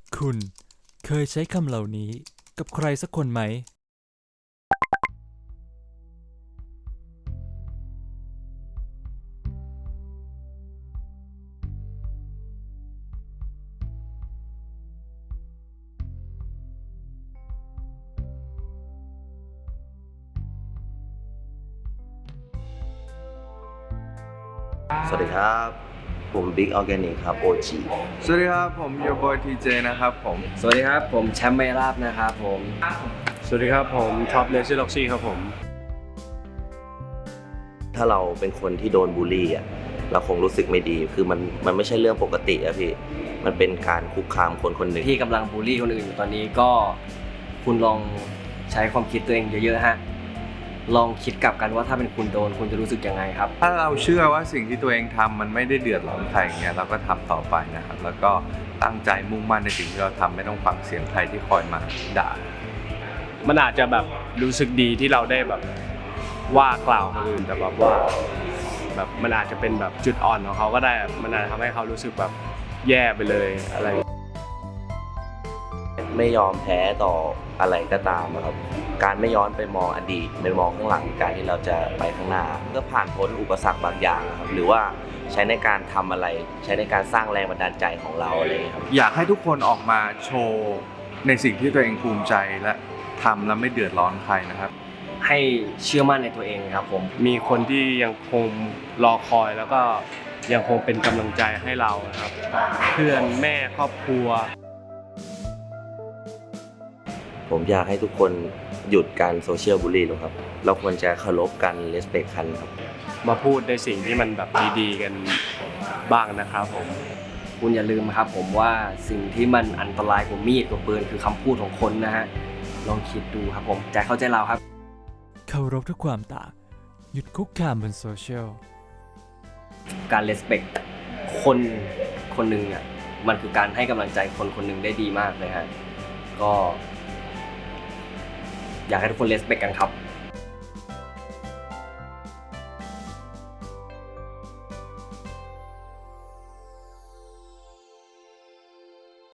คุณเคยใช้คำเหล่านี้กับใครสักคนไหมสวัสดีครับผมบิ๊กออร์แกนิกครับโอจีสวัสดีครับผมโยบอยทีเจนะครับผมสวัสดีครับผมแชมป์ไมราบนะครับผมสวัสดีครับผมท็อปเลซี่ล็อกซี่ครับผมถ้าเราเป็นคนที่โดนบูลลี่อ่ะเราคงรู้สึกไม่ดีคือมันไม่ใช่เรื่องปกติอะพี่มันเป็นการคุกคามคนคนหนึ่งที่กำลังบูลลี่คนอื่นอยู่ตอนนี้ก็คุณลองใช้ความคิดตัวเองเยอะๆฮะลองคิดกลับกันว่าถ้าเป็นคุณโดนคุณจะรู้สึกยังไงครับถ้าเราเชื่อว่าสิ่งที่ตัวเองทำมันไม่ได้เดือดร้อนใครอย่างเงี้ยเราก็ทำต่อไปนะครับแล้วก็ตั้งใจมุ่งมั่นในสิ่งที่เราทำไม่ต้องฟังเสียงใครที่คอยมาด่ามันอาจจะแบบรู้สึกดีที่เราได้แบบว่ากล่าวคนอื่นแต่แบบว่าแบบมันอาจจะเป็นแบบจุดอ่อนของเขาก็ได้มันอาจจะทำให้เขารู้สึกแบบแย่ไปเลยอะไรไม่ยอมแพ้ต่ออะไรก็ตามนะครับการไม่ย้อนไปมองอดีตไปมองข้างหลังการที่เราจะไปข้างหน้าก็ผ่านพ้นอุปสรรคบางอย่างนะครับหรือว่าใช้ในการทำอะไรใช้ในการสร้างแรงบันดาลใจของเราอะไรอย่างเงี้ยครับอยากให้ทุกคนออกมาโชว์ในสิ่งที่ตัวเองภูมิใจและทำแล้วไม่เดือดร้อนใครนะครับให้เชื่อมั่นในตัวเองครับผมมีคนที่ยังคงรอคอยแล้วก็ยังคงเป็นกำลังใจให้เรานะครับเพื่อนแม่ครอบครัวผมอยากให้ทุกคนหยุดการโซเชียลบูลลี่นะครับเราควรจะเคารพกันเลสเ c คกันครับมาพูดในสิ่งที่มันแบบดีๆกันบ้างนะครับผมคุณอย่าลืมครับผมว่าสิ่งที่มันอันตรายกว่ามีดกว่าปืนคือคำพูดของคนนะฮะลองคิดดูครับผมใจเข้าใจเราครับเคารพทุกความต่างหยุดคุกคามบนโซเชียลการ respect คนคนหนึ่งอ่ะมันคือการให้กำลังใจคนคนหนึ่งได้ดีมากเลยฮะก็อยากให้ทุกคน respect กันครับ